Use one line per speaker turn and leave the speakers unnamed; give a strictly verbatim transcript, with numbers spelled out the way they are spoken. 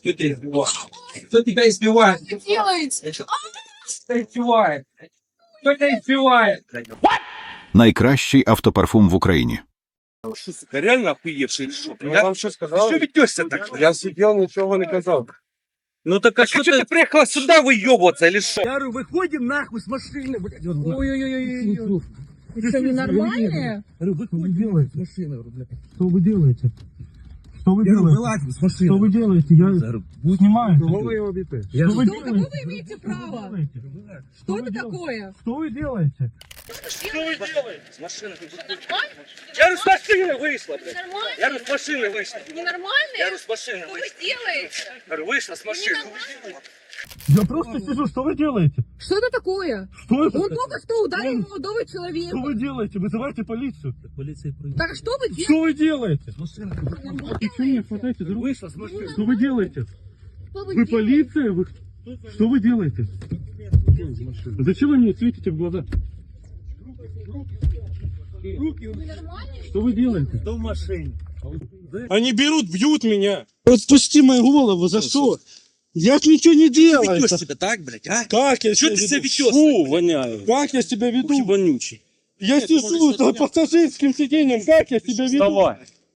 Кто тебя избивает? Кто тебя избивает?
Что вы делаете?
Кто тебя избивает? Кто тебя избивает?
Найкращий автопарфум в Україні.
Что, сука, реально охуевший или что?
Я вам что сказал?
Ты что ведешься так?
Я сидел, ничего не казал.
Ну так а что ты приехала сюда выебываться или что?
Я говорю, выходим нахуй с машины, блядь.
Ой-ой-ой. Вы что, ненормальные?
Говорю, вы что делаете? С машины, блядь. Что вы делаете? Что вы делаете? Вылазь с машины. Что вы делаете? Я снимаю. Кого вы его бите? Что вы
Что, какое
делаете?
вы имеете право?
Что
Что это такое?
Что вы делаете?
Что вы делаете? С машины Я говорю, с машины вышла, блядь.
Нормально?
Я говорю, с машины вышла. Я
Ненормальные?
говорю, с машины
Что вы
вышла.
делаете?
Я говорю, вышла с машины.
Я просто сижу, что вы делаете?
Что это такое?
Что это?
Он только что ударил молодого
Что
человека.
вы делаете? Вызывайте полицию.
Так что вы делаете?
Что вы делаете? Почему не хватаете за руку? Что вы делаете?
Что
Вы
делаете?
полиция? Вы... Что вы делаете? Зачем вы мне светите в глаза?
Вы нормальные?
Что вы делаете?
Кто в машине?
Они берут, бьют меня. Отпусти мою голову, за что? Я ж ничего не делаю.
Ведешь себя так, блядь, а?
Как я
Что
себя
ты
веду?
себя ведешь?
Фу,
воняю.
как я себя веду?
Вонючий.
Я сижу за пассажирским сиденьем, как я себя веду?
Вставай.